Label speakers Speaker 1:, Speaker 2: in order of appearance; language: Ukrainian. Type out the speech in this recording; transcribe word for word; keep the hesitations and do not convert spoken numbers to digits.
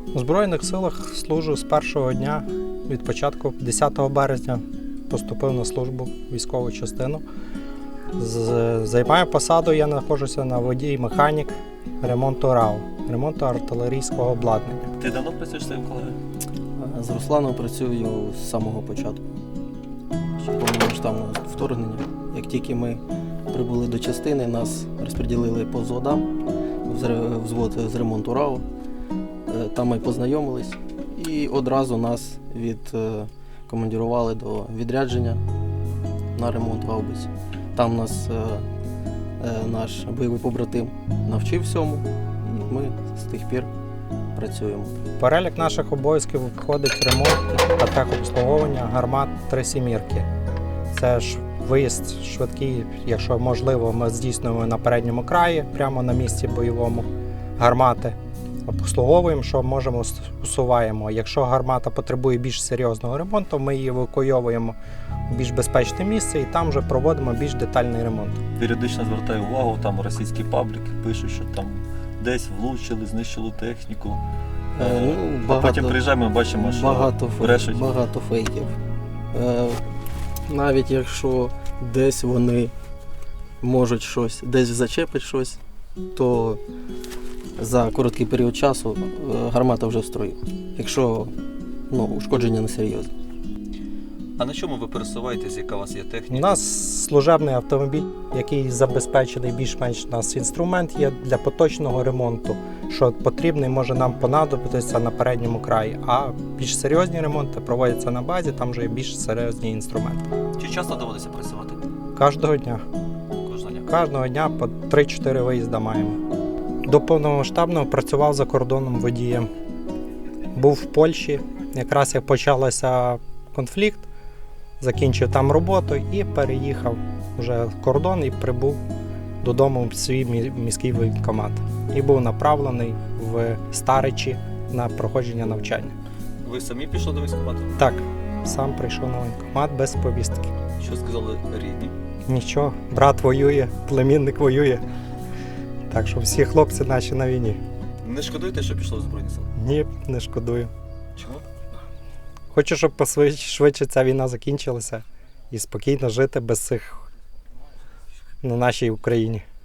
Speaker 1: У Збройних силах служу з першого дня, від початку, десятого березня, поступив на службу в військову частину. З- Займаю посаду, я знаходжуся на водій-механік ремонту РАУ, ремонту артилерійського обладнання.
Speaker 2: Ти давно працюєш з своїм колегою?
Speaker 3: З Русланом працюю з самого початку. Ще повномасштабного вторгнення. Як тільки ми прибули до частини, нас розподілили по взводам, в зре- взвод з ремонту РАУ. Е, Там ми познайомились і одразу нас відкомандирували до відрядження на ремонт гаубиць. Там нас е, е, наш бойовий побратим навчив всьому, і ми з тих пір працюємо.
Speaker 1: В перелік наших обов'язків входить ремонт та техобслуговування гармат три сімірки. Це ж виїзд швидкий, якщо можливо, ми здійснюємо на передньому краї, прямо на місці бойовому гармати. Обслуговуємо, що можемо, усуваємо. Якщо гармата потребує більш серйозного ремонту, ми її евакуйовуємо в більш безпечне місце і там вже проводимо більш детальний ремонт.
Speaker 2: Періодично звертаю увагу, там російські пабліки пишуть, що там десь влучили, знищили техніку.
Speaker 3: Е, ну,
Speaker 2: а
Speaker 3: багато-
Speaker 2: потім приїжджаємо і бачимо, що
Speaker 3: Багато, фейк,
Speaker 2: брешуть.
Speaker 3: багато фейків. Е, навіть якщо десь вони можуть щось, десь зачепить щось, то за короткий період часу е, гармата вже в строю. Якщо ну, ушкодження не серйозне.
Speaker 2: А на чому ви пересуваєтесь, яка у вас є
Speaker 1: У
Speaker 2: техніка?
Speaker 1: нас служебний автомобіль, який забезпечений більш-менш у нас інструмент є для поточного ремонту, що потрібний може нам понадобитися на передньому краї. А більш серйозні ремонти проводяться на базі, там вже є більш серйозні інструменти.
Speaker 2: Чи часто доводиться працювати?
Speaker 1: Кожного дня.
Speaker 2: Кожного дня.
Speaker 1: Кожного дня по три-чотири виїзда маємо. До повномасштабного працював за кордоном водієм. Був в Польщі, якраз як почався конфлікт, закінчив там роботу і переїхав вже кордон і прибув додому в свій мі- міський воєнкомат. І був направлений в Старичі на проходження навчання.
Speaker 2: Ви самі пішли до військкомату?
Speaker 1: Так, сам прийшов на воєнкомат без повістки.
Speaker 2: Що сказали рідні?
Speaker 1: Нічого, брат воює, племінник воює. Так що всі хлопці наші на війні.
Speaker 2: Не шкодуєте, що пішли в Збройні Сили?
Speaker 1: Ні, не шкодую.
Speaker 2: Чому?
Speaker 1: Хочу, щоб посвидше- швидше ця війна закінчилася і спокійно жити без цих на нашій Україні.